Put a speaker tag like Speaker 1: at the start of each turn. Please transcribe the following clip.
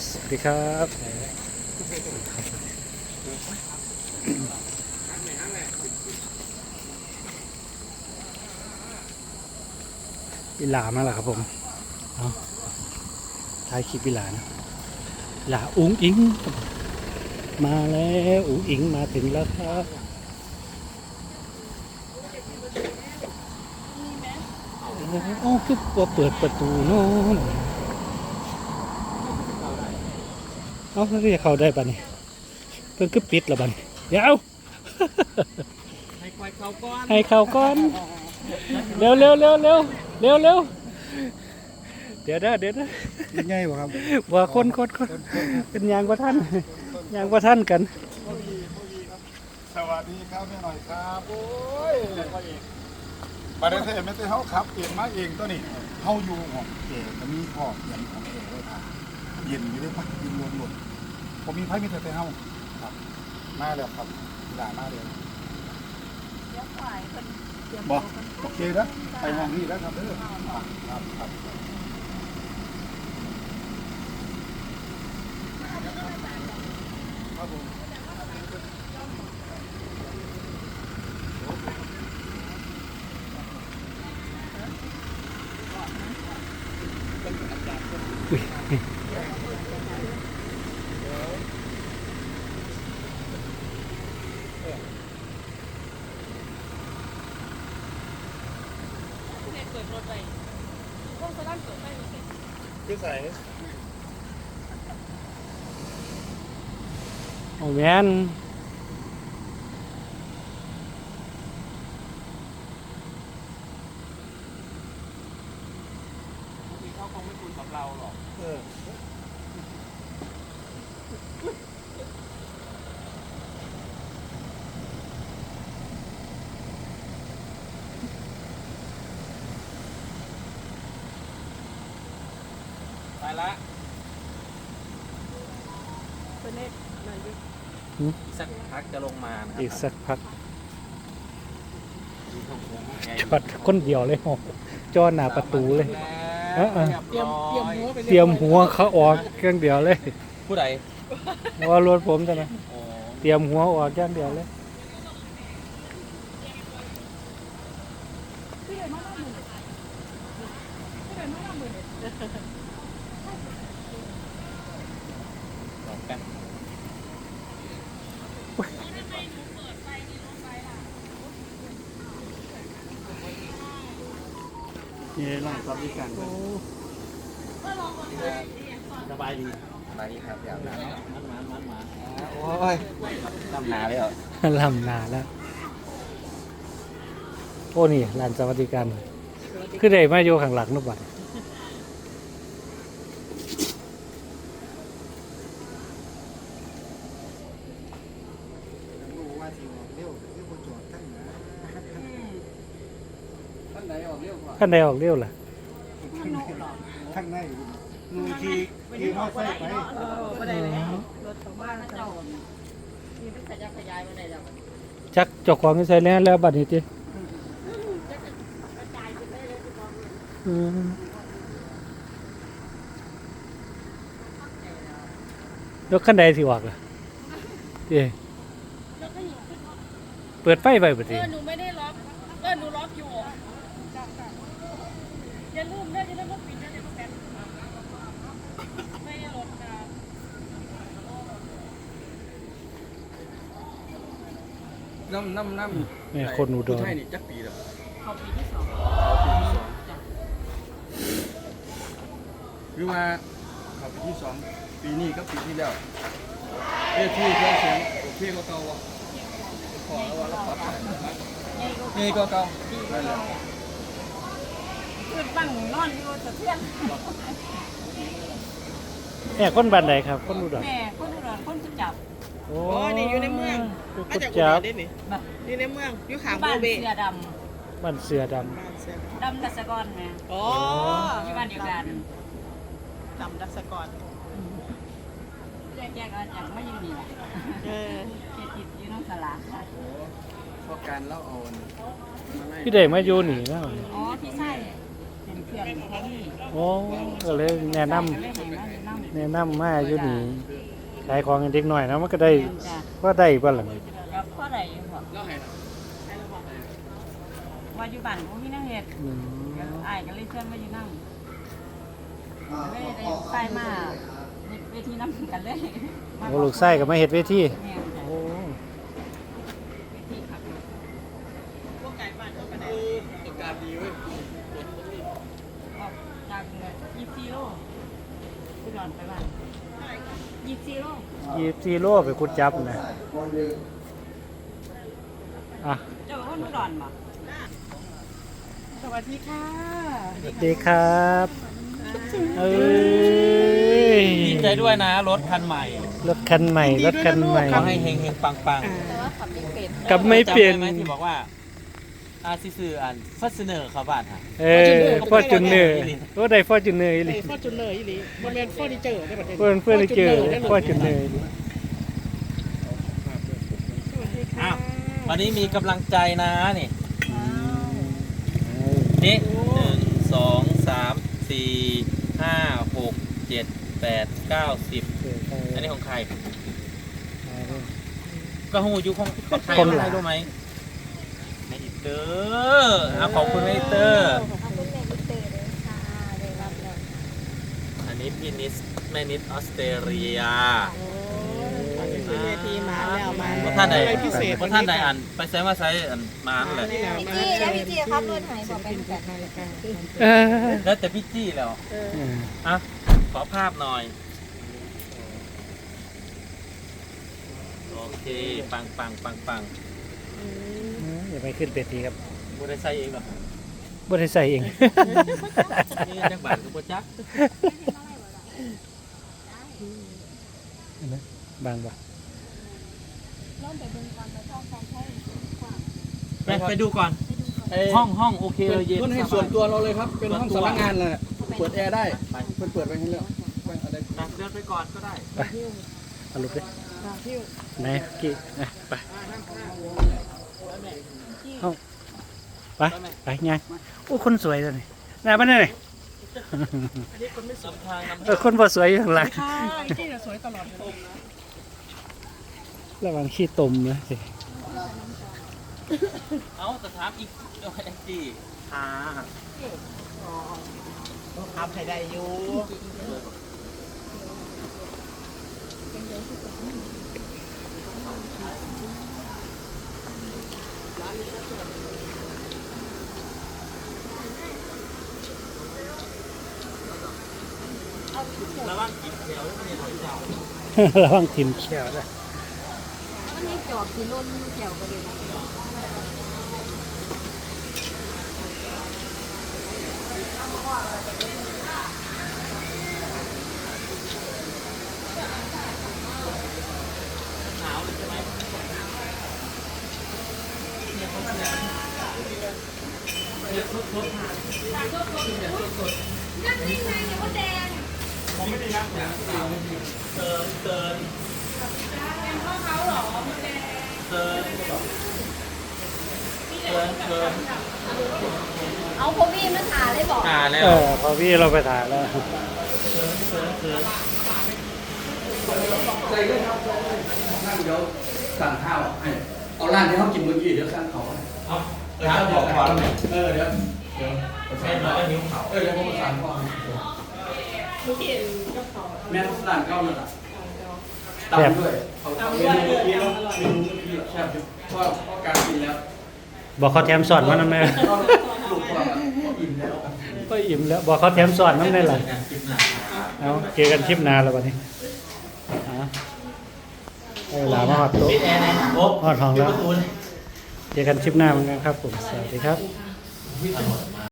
Speaker 1: สวัสดีครับอีหลามาแล้วครับผมเอาท้ายคลิปอีหลานะหลาอุ๋งอิงมาแล้วอุ๋งอิงมาถึงแล้วครับโอ้คือว่าเปิดประตูโน่นเอาแล้วจะเข้าได้ป่ะนี่เพิ่งคือปิดแล้วป่ะนี่เดี๋ยวให้เข้าก่อนเร็วเร็วเร็วเร็วเร็วเร็วเดี๋ยวนะ
Speaker 2: ยังไงวะครับ
Speaker 1: ว่าคนเป็นยางกว่าท่านยางกว่าท่านกัน
Speaker 2: สวัสดีครับแม่หน่อยครับโอ้ยมาได้เท่ไม่ได้เขาขับเองมาเองตัวนี้เขาอยู่ของเก๋จะมีพ่อเย็นของเอ๋เลยครับเย็นอยู่ด้วยปะเย็นล้วนๆผมมีไพ่มีแต่เขาครับมาแล้วครับด่ามาเลยบอกโอเคนะไปห้องนี้แล้วครับเด้อครับครับผม
Speaker 3: เปิดรถไปพวกโซล่าเปิดไฟรถไป
Speaker 2: คือใส่
Speaker 1: โอ้แมน
Speaker 3: เขาคงไม่คุยกับเราหรอกไปละเป็นเน็ตหน่อยดิอีกสักพักจะลงมานะครั
Speaker 1: อีกสักพักจอดคนเดียวเลยโอ้จอดหน้าประตูเลยเตรียมหัวเขาออกเครื่องเดียวเลย
Speaker 3: ผู้ใด
Speaker 1: ว่ารถผมจะนะเตรียมหัวออกเครื่องเดียวเลย
Speaker 2: นี่ร้านซับดิกันสบายดี
Speaker 3: ครับอยากมา
Speaker 2: โอ้ย
Speaker 3: ลำนาเลยเหรอ
Speaker 1: ลำนาแล้วโอ้นี่ร้านสวัสดิการคือได้มาอยู่ข้างหลังนุบัตท่านใดออกเร็วล่ะ
Speaker 2: ข้างในนูทีมอไซค์ไป
Speaker 3: รถชาวบ้านเจ้ามีเป็นขยายมาได้แล้ว
Speaker 1: จักเจ้าของใส่แล้วบัดนี้ติรถคันใดสิออกล่ะเปิดไฟไว้บัดนี้
Speaker 3: หนูไม่ได้ล็อกหนูล็อกอยู่อย่าลืมว่าปิดนะเดี๋ยวแป๊บไม่ได้รถนะน้ำ
Speaker 1: แม่คนอุดร
Speaker 3: ไทยนี่จักปีแล้วเขาปีที่ 2
Speaker 2: คือว่าเขาปีที่ 2ปีนี้ก็ปีที่แล้วเรียกที่เครื่องเสียงโอเคก็เก่าว่ะขอแล้วว่าเราปรับนี่ก็เก่านั่นแหละ
Speaker 3: คือตั้งนอนอยู่สะเทือน
Speaker 1: แม่คนบ้านใดครับคนอุดร
Speaker 3: แม่คนอุดรคนจะจับ
Speaker 1: โอ้
Speaker 4: นี่อยู่ในเมืองมาจากอุดรได้นี่อยู่ในเมืองอยู่ขางโบเบ
Speaker 1: บ้านเสือด
Speaker 3: ำดัชกรไง
Speaker 4: อ๋อ
Speaker 3: ที่บ้านเดียวกัน
Speaker 4: ดำดัชกร
Speaker 3: แยกกันอย่างไม่ยืนนี่แหละเขตติดอยู่น้องสลา
Speaker 2: พอการเล่าเอา
Speaker 1: พี่เด็กมาอยู่นี่นะ
Speaker 3: อ๋อพี่ใช่เป็นเพื่อนแท้นี่
Speaker 1: โอ้ก็เลยแนะนำแนะนำมาอยู่นี่ขายของให้เด็กน้อยนะมันก็ได้
Speaker 3: จ้ะ
Speaker 1: ว่าได้บ่ล่ะ
Speaker 3: กับพ่อใดอยู่บ่ว่าอยู่บ้านบ่มีแนวเฮ็ด
Speaker 1: อืม
Speaker 3: อ้ายก็เลยเชิญมาอยู่นำเลยได้ไปมาเวทีนำกันเลย
Speaker 1: โอ้ลูกไส้ก็มาเฮ็ดเวที
Speaker 3: แม่นจ้ะ
Speaker 1: โอ้
Speaker 3: เวทีครับ
Speaker 4: พวกไก่บ้านเขาไปไหนอากาศดีเว้ย
Speaker 3: ออกจาก24โลอุดรไปบ้าน24โล
Speaker 1: 24โลไปขุดจับนะอ่ะ
Speaker 3: เจ้าเป็นคนอุดรบ่
Speaker 4: สวัสดีค่ะ
Speaker 1: สวัสดีครับเอ้ย
Speaker 5: ดีใจด้วยนะรถคันใหม่
Speaker 1: รถคันใหม่รถคันใหม่
Speaker 5: ขอให้เฮงเฮงปังปัง
Speaker 1: กลับไม่เปลี่ยน
Speaker 5: จำได้ไหมที่บอกว่าซื่ออันฟัสเนอร์เขาบ้านฮะ
Speaker 1: ฟอร์จูเนอร์โอ้ได้ฟอร์จูเนอร์อีหลี
Speaker 4: ฟอร์จูเนอร์อีหลีมันเป็นเฟอร์นิเจอร์ได้ประเด็น
Speaker 1: เพื่อนได้เจอฟอร์จูเนอร์
Speaker 5: อ้าววันนี้มีกำลังใจนะนี่นี่1 2 3 4 5 6 7 8 9 10อันนี้ของใครก็หูยุของใครอะไรรู้ไหมแม่อิเตอร์ขอบคุณแม่อิเตอร์
Speaker 6: ขอบคุณแม่อินเตอร์เลยค่ะได้รับแล้ว
Speaker 5: อันนี้พี่นิสแม่นิสออสเตรเลีย
Speaker 4: ขึ้นเวทีมาแล้วมา
Speaker 5: เพราะท่านใด
Speaker 4: อะไรพิเศษ
Speaker 5: เพราะท่านใดอ่านไปใช้มาใช้อ่านมานั่นแหละ
Speaker 6: พี่จี้แล้วพี่จี้ครับรถหายบอกเป็นแบบ
Speaker 5: แล้วแต่พี่จี้แล้วอ่ะขอภาพหน่อย โอเค ปังปังปังปัง
Speaker 1: อย่าไปขึ้นเวทีครับ
Speaker 5: บูได้ใส่เองเหรอ
Speaker 1: บ่ได้ใส่เอง
Speaker 5: นี่จังบาทกับโปจัก
Speaker 1: บางบ่
Speaker 5: ไปดูก่อน ห้องโอเคเลยเย็น
Speaker 7: พื้นให้ส่วนตัวเราเลยครับ เป็นห้องสำนักงานเลยเปิดแอร์ได้เปิดไปให้แล้วไปอะไร
Speaker 5: เดินไปก่อนก็ได้
Speaker 1: เอาลุกดิไหนกี่ไปเอาไปไปไงโอ้คนสวยตัวนี้น่าบ้านไหน
Speaker 5: นำทางนำ
Speaker 1: คนบ่สวยอยู่ข้างหลัง
Speaker 4: ค่ะอีจี้สวยตลอดเลย
Speaker 1: ระวังขี้ตมนะสิ
Speaker 5: เอาแต่ถามอีกแองจี้
Speaker 4: ทำให้ได้อยู่
Speaker 5: ระวังกินแถวไม่ได้เจ้า
Speaker 1: ระวังทิ่มเขี้ยวนะ
Speaker 6: มันให้จอบที่ล้นแถวกันเลยนะ เอาพวกพี่มาถ่ายเลยบอก
Speaker 5: แล้ว
Speaker 1: พอพี่เราไปถ่ายแล้ว
Speaker 7: นั่งเดี๋ยวสั่งข้าวให้เอาร้านที่เขากินเมื่อกี้เดี๋ยวสั่งเขา
Speaker 5: ถามบอกก่อน
Speaker 7: เดี๋ยวเดี๋ยว
Speaker 5: แม่มาก็นิ้วเขา
Speaker 7: เดี๋ยวผมประสานก่อนแม่ร้านเก้าเลยล่ะตามด้วยเอาเมนูเมื่อกี้แล้วเมนูเมื่อกี้แซ่บเพราะการกินแล้ว
Speaker 1: บอกเขาแถมสอนมานั่นแม่
Speaker 7: ลูกว่าอิ่มแล้ว
Speaker 1: ก็อิ่มแล้วบอกเขาแถมสอนนั่นได้หรอเอาเจอกันคลิปหน้าแล้ววันนี้เวลามาหอดโต๊ะ
Speaker 5: ปิดแอร์นะโอ๊ะ
Speaker 1: หอดห้องแล้ว
Speaker 5: ปิดประตู
Speaker 1: เจอกันคลิปหน้าเหมือนกันครับผม สวัสดีครับ
Speaker 5: เ